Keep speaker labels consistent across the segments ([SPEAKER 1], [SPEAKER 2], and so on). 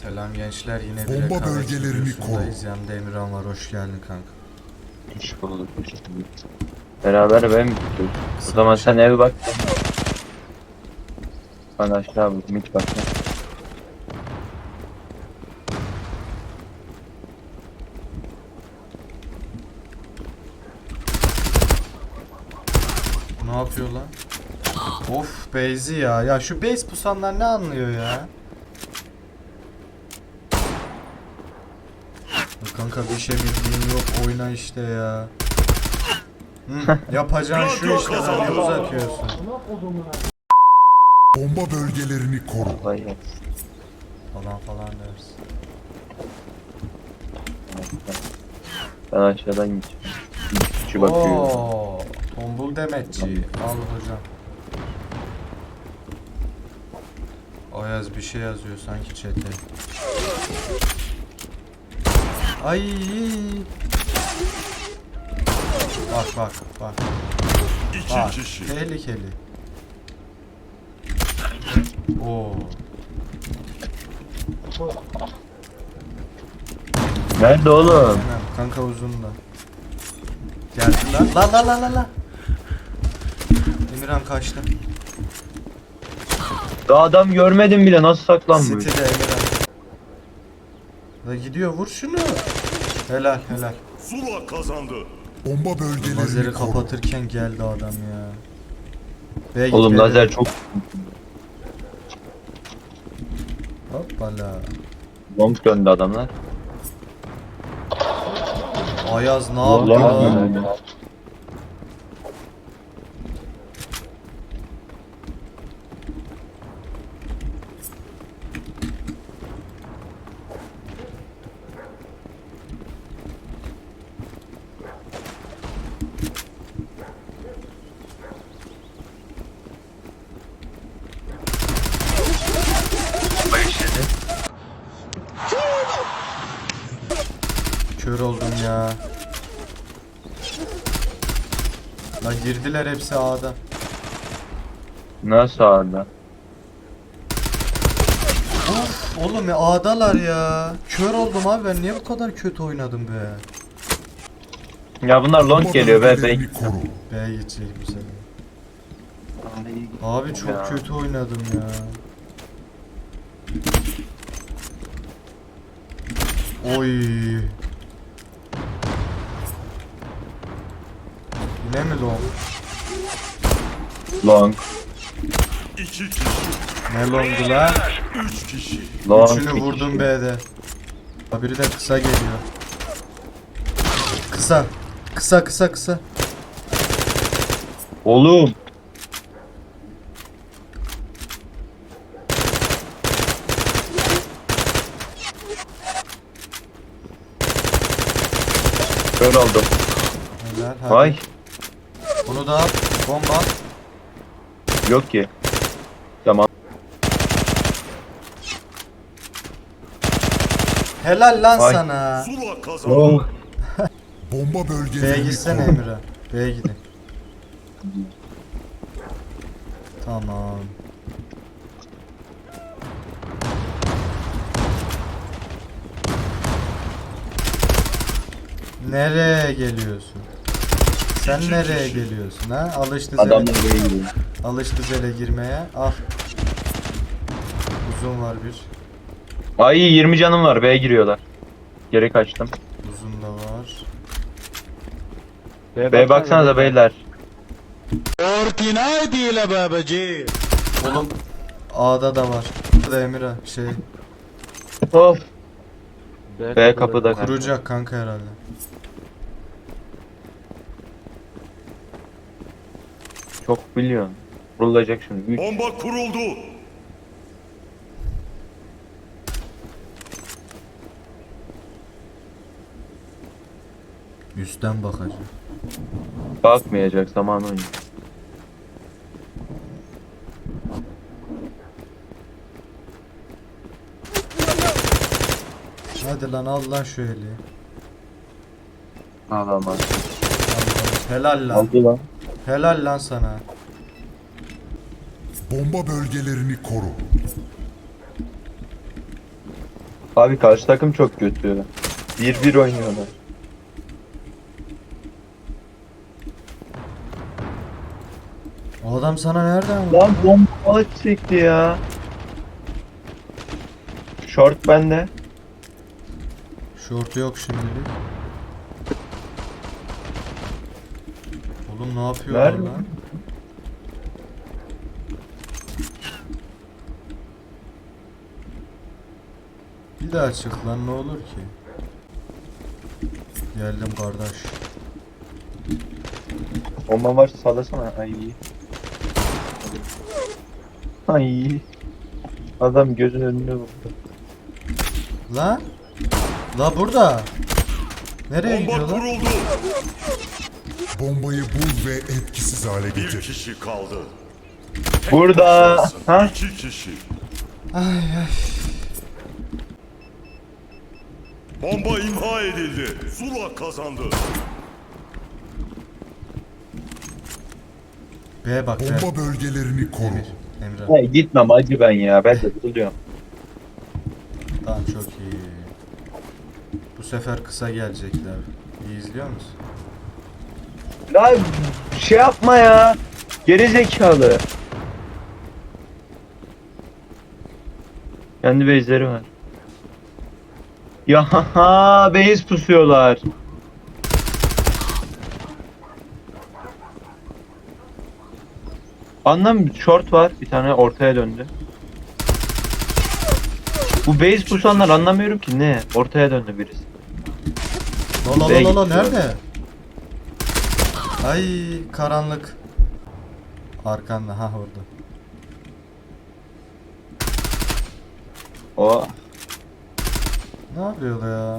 [SPEAKER 1] Selam gençler, yine bir
[SPEAKER 2] Bomba
[SPEAKER 1] rekabet
[SPEAKER 2] bölgelerini
[SPEAKER 1] videosundayız. Yanımda Emirhan var, hoş geldin kanka.
[SPEAKER 3] Hoş bulduk. Beraber ben mi tutuyoruz? O zaman sen
[SPEAKER 1] şey-
[SPEAKER 3] eve bak. Ben aşağı bak. Mit bak.
[SPEAKER 1] Ne yapıyor lan? Of Beyzi ya. Ya şu base pusanlar ne anlıyor ya? Ya kanka bir şey bildiğin yok, oyna işte ya. Hı, yapacağın şu işte, sen ne uzatıyorsun?
[SPEAKER 2] Bomba bölgelerini koru.
[SPEAKER 3] Vay ya.
[SPEAKER 1] Falan dersin.
[SPEAKER 3] Ben aşağıdan gideceğim. Bir kişi bakıyor.
[SPEAKER 1] Oo, tombul demetçi. Al hocam. Ayaz bir şey yazıyor sanki chat'e. Ay. Bak. Bak. Tehlikeli. Oo.
[SPEAKER 3] Nerede oğlum?
[SPEAKER 1] Aynen, kanka uzunda. Geldi lan. La. Emirhan kaçtı.
[SPEAKER 3] Daha adam görmedim bile, nasıl saklanmış?
[SPEAKER 1] City'de Emirhan. La gidiyor, vur şunu. Helal.
[SPEAKER 4] Zula kazandı.
[SPEAKER 2] Bomba
[SPEAKER 1] Lazeri
[SPEAKER 2] bölgelerini koru.
[SPEAKER 1] kapatırken geldi adam ya. B'ye git,
[SPEAKER 3] Oğlum
[SPEAKER 1] B'ye
[SPEAKER 3] lazer
[SPEAKER 1] dön.
[SPEAKER 3] çok...
[SPEAKER 1] Hoppala.
[SPEAKER 3] Long döndü adamlar.
[SPEAKER 1] Ayaz ne
[SPEAKER 3] Long
[SPEAKER 1] yaptı lan?
[SPEAKER 3] döndü.
[SPEAKER 1] Kör oldum ya. La girdiler hepsi A'da.
[SPEAKER 3] Nasıl sağda?
[SPEAKER 1] Of oğlum ya, A'dalar ya. Kör oldum abi, ben niye bu kadar kötü oynadım be?
[SPEAKER 3] Ya bunlar long
[SPEAKER 2] Bomba
[SPEAKER 3] geliyor be.
[SPEAKER 2] bölgelerini koru.
[SPEAKER 1] B'ye gidecek bu sefer. Abi çok
[SPEAKER 3] Ya.
[SPEAKER 1] kötü oynadım ya. Oy. Yine mi long?
[SPEAKER 3] Long.
[SPEAKER 4] 2 kişi,
[SPEAKER 1] Ne longdu lan?
[SPEAKER 4] 3 kişi.
[SPEAKER 3] Long.
[SPEAKER 1] Üçünü
[SPEAKER 3] bir
[SPEAKER 1] vurdum
[SPEAKER 3] kişi.
[SPEAKER 1] B'de. Ha, biri de kısa geliyor. Kısa.
[SPEAKER 3] Oğlum. Kör oldum.
[SPEAKER 1] Helal, hadi.
[SPEAKER 3] Vay.
[SPEAKER 1] Bunu da at. Bomba at.
[SPEAKER 3] Yok ki. Tamam.
[SPEAKER 1] Helal lan
[SPEAKER 3] Vay.
[SPEAKER 1] sana.
[SPEAKER 4] Zula kazandı.
[SPEAKER 3] Oh.
[SPEAKER 2] Bomba
[SPEAKER 1] B'ye
[SPEAKER 2] bölgelerini
[SPEAKER 1] gitsene
[SPEAKER 2] koru.
[SPEAKER 1] Emirhan. B'ye gidin. Tamam. Nereye geliyorsun? Sen nereye geliyorsun ha?
[SPEAKER 3] Adamlar buraya gidiyor.
[SPEAKER 1] Alıştı zele girmeye. Al. Uzun var bir.
[SPEAKER 3] Ay 20 canım var. B'ye giriyorlar. Geri kaçtım.
[SPEAKER 1] Uzun da var.
[SPEAKER 3] B'ye baksanıza beyler.
[SPEAKER 1] Oğlum A'da da var. Burada Emirhan şey
[SPEAKER 3] Of. B kapıda.
[SPEAKER 1] kuracak kanka herhalde.
[SPEAKER 3] Çok biliyorsun. Vurulacak şimdi. Üç.
[SPEAKER 4] Bomba kuruldu.
[SPEAKER 1] Üstten bakacak.
[SPEAKER 3] Bakmayacak zaman oyunu.
[SPEAKER 1] Hadi lan, al lan şu eli.
[SPEAKER 3] Alamaz.
[SPEAKER 1] Al, al. Helal lan.
[SPEAKER 3] Aldı lan.
[SPEAKER 1] Helal lan sana.
[SPEAKER 2] Bomba bölgelerini koru.
[SPEAKER 3] Abi karşı takım çok kötü. 1-1 oynuyorlar.
[SPEAKER 1] O adam sana nereden vurdu?
[SPEAKER 3] Lan bomba çekti ya. Short bende.
[SPEAKER 1] Şort yok şimdilik. Oğlum ne yapıyorlar
[SPEAKER 3] Nerede?
[SPEAKER 1] lan? Bir daha çık lan ne olur ki? Geldim kardeş.
[SPEAKER 3] Bomba var sallasana. Ay. Ay. Adam gözün önüne vurdu.
[SPEAKER 1] Lan? La burada. Nereye
[SPEAKER 4] Bomba
[SPEAKER 1] gidiyorlar?
[SPEAKER 4] kuruldu.
[SPEAKER 2] Bombayı bul ve etkisiz hale
[SPEAKER 4] Bir
[SPEAKER 2] getir.
[SPEAKER 4] kişi kaldı.
[SPEAKER 3] Burada. Ha?
[SPEAKER 4] 2 kişi.
[SPEAKER 1] Ay ay.
[SPEAKER 4] Bomba imha edildi. Zula kazandı.
[SPEAKER 1] B bak B.
[SPEAKER 2] Bomba bölgelerini koru.
[SPEAKER 1] Emre.
[SPEAKER 3] Hey, gitmem acı ben ya. Ben de buluyorum.
[SPEAKER 1] Tamam çok iyi. Bu sefer kısa gelecekler. İyi izliyor musun?
[SPEAKER 3] Ya şey yapma ya. Geri zekalı. Kendi base'leri var. Ya ha base pusuyorlar. Anlam short var. Bir tane ortaya döndü. Bu base pusanlar anlamıyorum ki ne? Ortaya döndü birisi.
[SPEAKER 1] La la
[SPEAKER 3] B'ye
[SPEAKER 1] la la la
[SPEAKER 3] gitti.
[SPEAKER 1] nerede? Ay karanlık. Arkanda ha orada.
[SPEAKER 3] O
[SPEAKER 1] Ne yapıyor ya?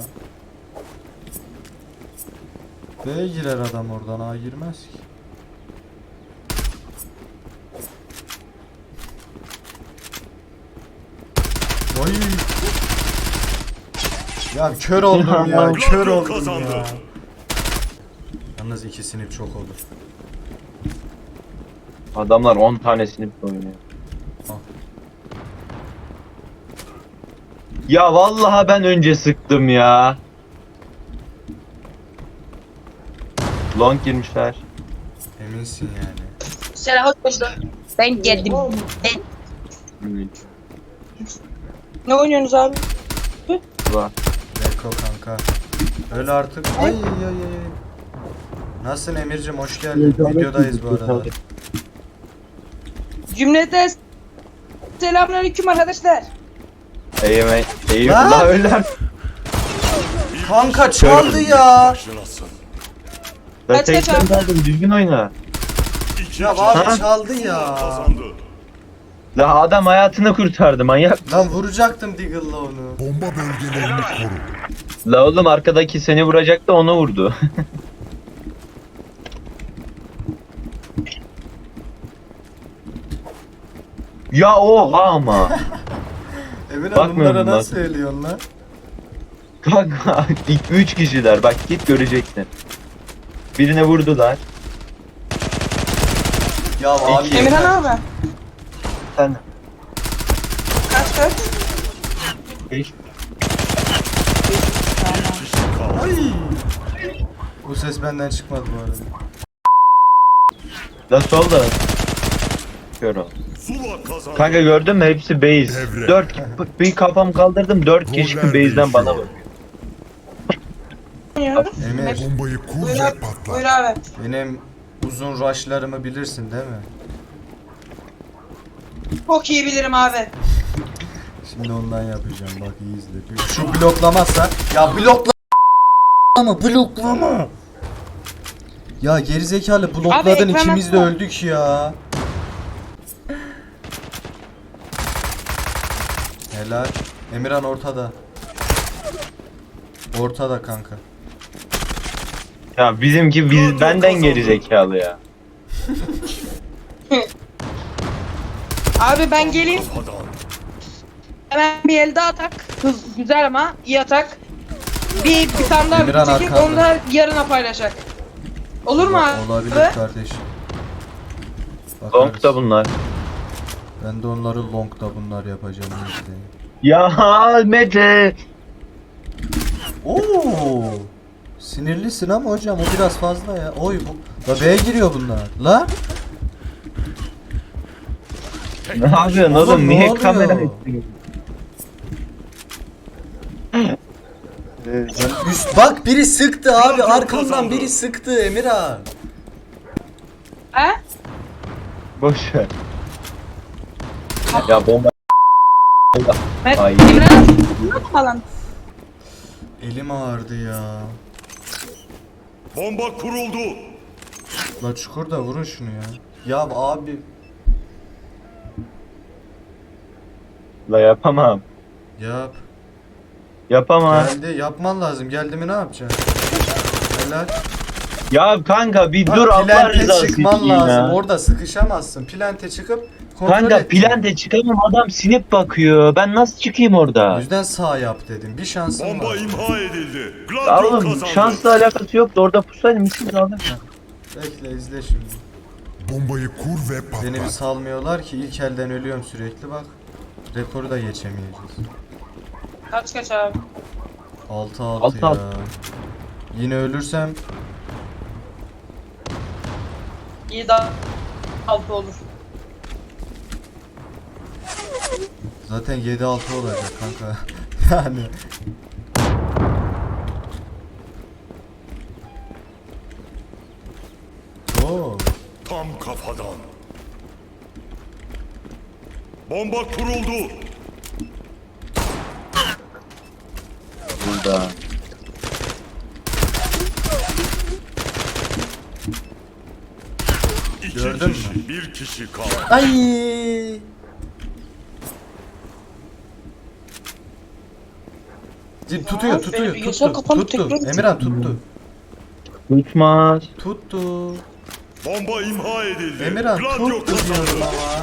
[SPEAKER 1] B'ye girer adam oradan A girmez ki. Oy. Ya kör oldum ya, kör
[SPEAKER 4] Gladio
[SPEAKER 1] oldum
[SPEAKER 4] kazandı.
[SPEAKER 1] ya. Yalnız ikisini çok olur.
[SPEAKER 3] adamlar 10 tanesini oynuyor.
[SPEAKER 1] Al.
[SPEAKER 3] Ya vallahi ben önce sıktım ya. Long girmişler.
[SPEAKER 1] Eminsin yani.
[SPEAKER 5] Selam hoş Ben geldim. Ne oynuyorsunuz abi?
[SPEAKER 3] Var.
[SPEAKER 1] Beko kanka. Öyle artık. Ay ay ay. Nasılsın Emircim, hoş geldin. Videodayız bu arada.
[SPEAKER 5] Cümlete selamünaleyküm arkadaşlar.
[SPEAKER 3] Eyvallah öyle.
[SPEAKER 1] Kanka çaldı ya.
[SPEAKER 4] Başlasın.
[SPEAKER 3] Ben
[SPEAKER 5] Kaç kaç
[SPEAKER 3] tekrar
[SPEAKER 5] abi?
[SPEAKER 3] verdim düzgün oyna.
[SPEAKER 4] 2
[SPEAKER 1] Ya
[SPEAKER 4] kişi
[SPEAKER 1] abi çaldı
[SPEAKER 4] Zula
[SPEAKER 1] ya.
[SPEAKER 4] kazandı.
[SPEAKER 3] La adam hayatını kurtardı manyak.
[SPEAKER 1] Lan vuracaktım Deagle'la onu.
[SPEAKER 2] Bomba bölgelerini koru.
[SPEAKER 3] La oğlum arkadaki seni vuracaktı onu vurdu. Ya oha ama.
[SPEAKER 1] Emirhan
[SPEAKER 3] Bakmıyorum
[SPEAKER 1] bunlara
[SPEAKER 3] bak.
[SPEAKER 1] nasıl söylüyorsun lan?
[SPEAKER 3] Kanka 2-3 kişiler bak git göreceksin. Birine vurdular.
[SPEAKER 1] Ya abi.
[SPEAKER 3] İki.
[SPEAKER 5] Emirhan abi.
[SPEAKER 3] Sen
[SPEAKER 5] Kaç?
[SPEAKER 3] 5
[SPEAKER 4] Bir kişi kaldı.
[SPEAKER 1] Ay. Bu ses benden çıkmadı bu arada.
[SPEAKER 3] La solda. Kör ol.
[SPEAKER 4] Zula kazandı.
[SPEAKER 3] Kanka gördün mü hepsi base.
[SPEAKER 2] Devre.
[SPEAKER 3] 4 bir kafam kaldırdım 4 kişi
[SPEAKER 2] Roller
[SPEAKER 3] base'den bana
[SPEAKER 2] değişiyor.
[SPEAKER 3] bakıyor.
[SPEAKER 5] Oynuyoruz.
[SPEAKER 1] Emir,
[SPEAKER 2] Bombayı kur
[SPEAKER 5] Buyur
[SPEAKER 2] ve
[SPEAKER 5] abi.
[SPEAKER 2] patlat.
[SPEAKER 5] Buyur abi.
[SPEAKER 1] benim uzun rushlarımı bilirsin değil mi?
[SPEAKER 5] Çok iyi bilirim abi.
[SPEAKER 1] Şimdi ondan yapacağım, bak iyi izle. Şu bloklamazsa, ya bloklama. Ya gerizekalı blokladın,
[SPEAKER 5] ekran
[SPEAKER 1] ikimiz de
[SPEAKER 5] atma.
[SPEAKER 1] öldük ya. Helal. Emirhan ortada. Ortada kanka.
[SPEAKER 3] Ya bizimki
[SPEAKER 4] Gladio
[SPEAKER 3] benden
[SPEAKER 4] kazandı.
[SPEAKER 3] geri zekalı ya.
[SPEAKER 5] Abi ben geleyim.
[SPEAKER 4] Adam.
[SPEAKER 5] Hemen bir elde atak. Hız güzel ama iyi atak. Bir tane daha
[SPEAKER 1] Emirhan
[SPEAKER 5] bir çekip
[SPEAKER 1] arkanda.
[SPEAKER 5] onu da yarına paylaşacak. Olur mu abi?
[SPEAKER 1] Olabilir kardeşim. Bakarız.
[SPEAKER 3] Long da bunlar.
[SPEAKER 1] Ben de onları long da bunlar yapacağım. izleyin.
[SPEAKER 3] Ya Mete.
[SPEAKER 1] Oo. Sinirlisin ama hocam o biraz fazla ya. Oy bu. La B'ye giriyor bunlar. La.
[SPEAKER 3] Ne yapıyorsun
[SPEAKER 1] Oğlum,
[SPEAKER 3] oğlum?
[SPEAKER 1] ne
[SPEAKER 3] Niye
[SPEAKER 1] oluyor?
[SPEAKER 3] kamera açıyorsun?
[SPEAKER 1] Üst bak biri sıktı abi
[SPEAKER 4] Radyo
[SPEAKER 1] arkamdan
[SPEAKER 4] kazandı.
[SPEAKER 1] biri sıktı Emirhan.
[SPEAKER 5] He?
[SPEAKER 3] Boş ver. Ya bomba.
[SPEAKER 5] Ben
[SPEAKER 3] Ay.
[SPEAKER 5] Emre'nin falan.
[SPEAKER 1] Elim ağrıdı ya.
[SPEAKER 4] Bomba kuruldu.
[SPEAKER 1] La çukurda vurun şunu ya. Ya abi
[SPEAKER 3] La yapamam.
[SPEAKER 1] yap.
[SPEAKER 3] Yapamam.
[SPEAKER 1] Geldi yapman lazım. Geldi mi ne yapacaksın? Helal.
[SPEAKER 3] Ya kanka bir
[SPEAKER 1] Bak,
[SPEAKER 3] dur Allah
[SPEAKER 1] plante
[SPEAKER 3] rızası
[SPEAKER 1] çıkman
[SPEAKER 3] için
[SPEAKER 1] lazım.
[SPEAKER 3] ya.
[SPEAKER 1] Orada sıkışamazsın. Plante çıkıp kontrol
[SPEAKER 3] Kanka
[SPEAKER 1] et.
[SPEAKER 3] plante çıkamam adam sinip bakıyor. Ben nasıl çıkayım
[SPEAKER 1] O
[SPEAKER 3] orada?
[SPEAKER 1] yüzden sağ yap dedim. Bir şansın
[SPEAKER 4] Bomba
[SPEAKER 1] var.
[SPEAKER 4] imha edildi.
[SPEAKER 3] Ya
[SPEAKER 4] Gladio
[SPEAKER 3] oğlum
[SPEAKER 4] kazandı.
[SPEAKER 3] şansla alakası yoktu. Orada pusaydım misiniz aldım.
[SPEAKER 1] Bekle izle şimdi.
[SPEAKER 2] Bombayı kur ve
[SPEAKER 1] Beni bir
[SPEAKER 2] patlat.
[SPEAKER 1] salmıyorlar ki ilk elden ölüyorum sürekli bak. Rekoru da geçemeyeceğiz.
[SPEAKER 5] Kaç abi.
[SPEAKER 1] 6-6
[SPEAKER 3] Altı
[SPEAKER 1] ya.
[SPEAKER 3] altı.
[SPEAKER 1] Yine ölürsem
[SPEAKER 5] İyi daha 6 olur.
[SPEAKER 1] zaten 7-6 olacak kanka. Yani Oo.
[SPEAKER 4] Tam kafadan. Bomba kuruldu.
[SPEAKER 3] Burada.
[SPEAKER 4] İki
[SPEAKER 1] Gördün
[SPEAKER 4] kişi,
[SPEAKER 1] mü?
[SPEAKER 4] bir kişi kaldı.
[SPEAKER 1] Ay. Tutuyor,
[SPEAKER 5] Ya,
[SPEAKER 1] tutuyor,
[SPEAKER 5] benim bilgisayar
[SPEAKER 1] tuttu,
[SPEAKER 5] kapandı,
[SPEAKER 1] tuttu.
[SPEAKER 5] tekrar
[SPEAKER 1] Emirhan tuttu,
[SPEAKER 3] Tutmaz.
[SPEAKER 1] tuttu.
[SPEAKER 4] Bomba imha edildi.
[SPEAKER 1] Emirhan
[SPEAKER 4] Gladio
[SPEAKER 1] tuttu diyorum
[SPEAKER 4] kazandı.
[SPEAKER 1] ama.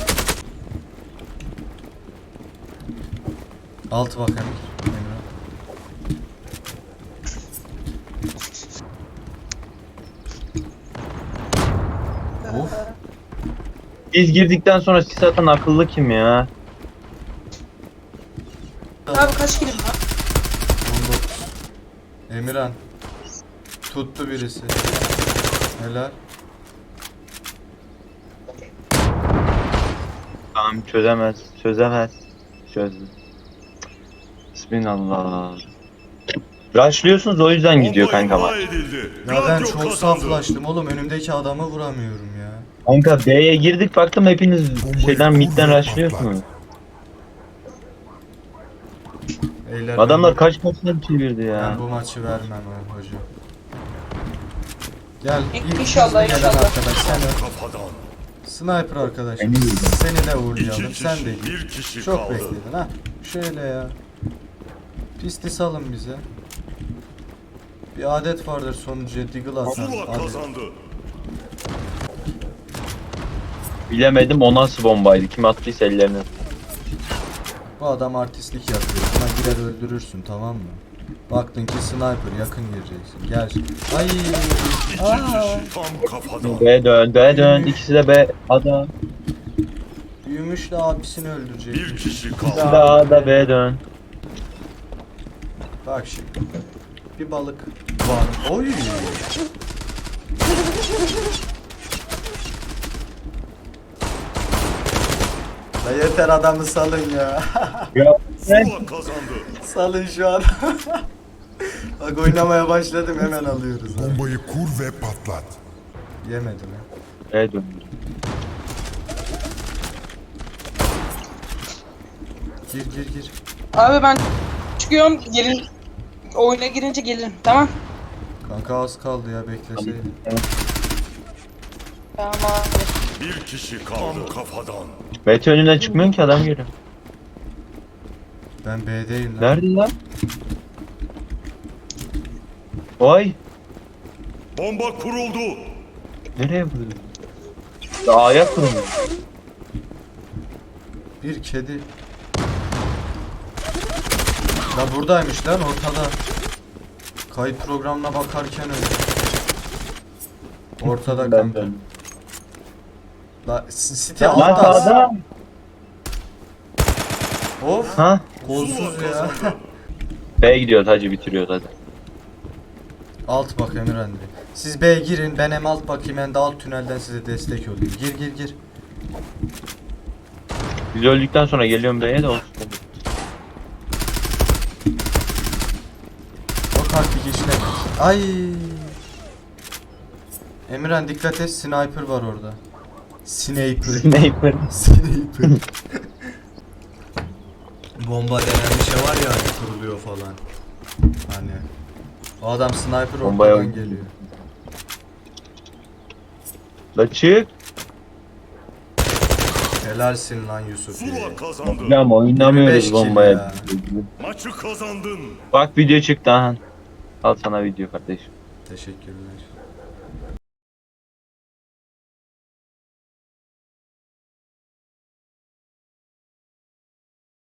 [SPEAKER 1] Altı bak Emir. Emirhan. Of.
[SPEAKER 3] Biz girdikten sonra sis atan akıllı kim ya?
[SPEAKER 5] Abi kaç kilim var?
[SPEAKER 1] 19. Emirhan. Tuttu birisi. Helal.
[SPEAKER 3] Tamam çözemez. Çözemez. Çözdü. Bismillah. Rushlıyorsunuz o yüzden gidiyor
[SPEAKER 4] Bomba
[SPEAKER 3] kanka
[SPEAKER 4] imha
[SPEAKER 3] maç.
[SPEAKER 4] edildi.
[SPEAKER 1] Ya ben
[SPEAKER 4] Gladio
[SPEAKER 1] çok
[SPEAKER 4] kazandı.
[SPEAKER 1] saflaştım oğlum önümdeki adamı vuramıyorum ya.
[SPEAKER 3] Kanka B'ye girdik baktım hepiniz şeyden midden rushlıyorsunuz.
[SPEAKER 1] Eyler
[SPEAKER 3] Adamlar
[SPEAKER 1] ben,
[SPEAKER 3] kaç maçtan çevirdi
[SPEAKER 1] ben
[SPEAKER 3] ya.
[SPEAKER 1] bu maçı vermem ha hocam. Gel ilk
[SPEAKER 5] İnşallah,
[SPEAKER 1] hızlı gelen
[SPEAKER 5] inşallah.
[SPEAKER 1] arkadaş sen öl.
[SPEAKER 4] Kafadan.
[SPEAKER 1] Sniper arkadaş.
[SPEAKER 3] Ben iyiyim.
[SPEAKER 1] Seni de
[SPEAKER 4] İki
[SPEAKER 1] uğurlayalım
[SPEAKER 4] kişi,
[SPEAKER 1] sen de git.
[SPEAKER 4] bir kişi
[SPEAKER 1] Çok
[SPEAKER 4] kaldı.
[SPEAKER 1] bekledin ha. Şöyle ya. Pisti salın bize. Bir adet vardır sonucuya Deagle atan.
[SPEAKER 4] Zula
[SPEAKER 1] Hadi.
[SPEAKER 4] kazandı.
[SPEAKER 3] Bilemedim o nasıl bombaydı. Kim attıysa ellerine.
[SPEAKER 1] Bu adam artistlik yapıyor. Buna girer öldürürsün tamam mı? Baktın ki sniper yakın gireceksin. Gel. Ay.
[SPEAKER 4] İki
[SPEAKER 1] Aa.
[SPEAKER 4] kişi tam kafadan.
[SPEAKER 3] B dön, B dön. İkisi de B. Adam.
[SPEAKER 1] Büyümüş de abisini öldürecek.
[SPEAKER 4] Bir kişi
[SPEAKER 3] İkisi
[SPEAKER 4] kaldı.
[SPEAKER 3] de A'da B dön.
[SPEAKER 1] Bak şimdi. Bir balık var. Oy. La yeter adamı salın ya.
[SPEAKER 3] Ya
[SPEAKER 4] Zula kazandı.
[SPEAKER 1] Salın şu an. Bak oynamaya başladım hemen alıyoruz. Ha.
[SPEAKER 2] Bombayı kur ve patlat.
[SPEAKER 1] Yemedi mi?
[SPEAKER 3] B dön.
[SPEAKER 1] Gir gir gir.
[SPEAKER 5] Abi ben çıkıyorum gelin. Oyuna girince gelirim tamam.
[SPEAKER 1] Kanka az kaldı ya bekleseydin.
[SPEAKER 5] Tamam abi.
[SPEAKER 4] Bir kişi kaldı. Tam kafadan.
[SPEAKER 3] B önünden çıkmıyorsun ki adam görüyor.
[SPEAKER 1] Ben B'deyim lan.
[SPEAKER 3] Nerede lan? Vay.
[SPEAKER 4] Bomba kuruldu.
[SPEAKER 3] Nereye vuruyor? A'ya kurulmuş.
[SPEAKER 1] Bir kedi. La buradaymış lan ortada. Kayıt programına bakarken öyle. Ortada
[SPEAKER 3] Ben
[SPEAKER 1] kanka.
[SPEAKER 3] döndüm.
[SPEAKER 1] La City
[SPEAKER 3] Lan
[SPEAKER 1] altta.
[SPEAKER 3] sağda.
[SPEAKER 1] Of.
[SPEAKER 3] Ha?
[SPEAKER 1] Kolsuz
[SPEAKER 4] Zula
[SPEAKER 1] ya.
[SPEAKER 4] kazandı.
[SPEAKER 3] B'ye gidiyoruz hacı, bitiriyoruz hadi.
[SPEAKER 1] Alt bak Emirhan Bey. Siz B'ye girin, ben hem alt bakayım hem de alt tünelden size destek olayım. Gir.
[SPEAKER 3] Biz öldükten sonra geliyorum B'ye de olsun.
[SPEAKER 1] O taktik işlemez. Ay. Emirhan dikkat et, sniper var orada. Sniper.
[SPEAKER 3] Sniper.
[SPEAKER 1] Sniper. Bomba denen bir şey var ya hani kuruluyor falan. Hani. O adam sniper
[SPEAKER 3] Bombaya
[SPEAKER 1] ortadan geliyor.
[SPEAKER 3] La çık.
[SPEAKER 1] Helalsin lan Yusuf.
[SPEAKER 4] Zula kazandı.
[SPEAKER 3] Ya ama
[SPEAKER 1] 25
[SPEAKER 3] oynamıyoruz
[SPEAKER 1] kill
[SPEAKER 3] bombaya.
[SPEAKER 1] ya.
[SPEAKER 4] Maçı kazandın.
[SPEAKER 3] Bak video çıktı ha. Al sana video kardeşim.
[SPEAKER 1] Teşekkürler.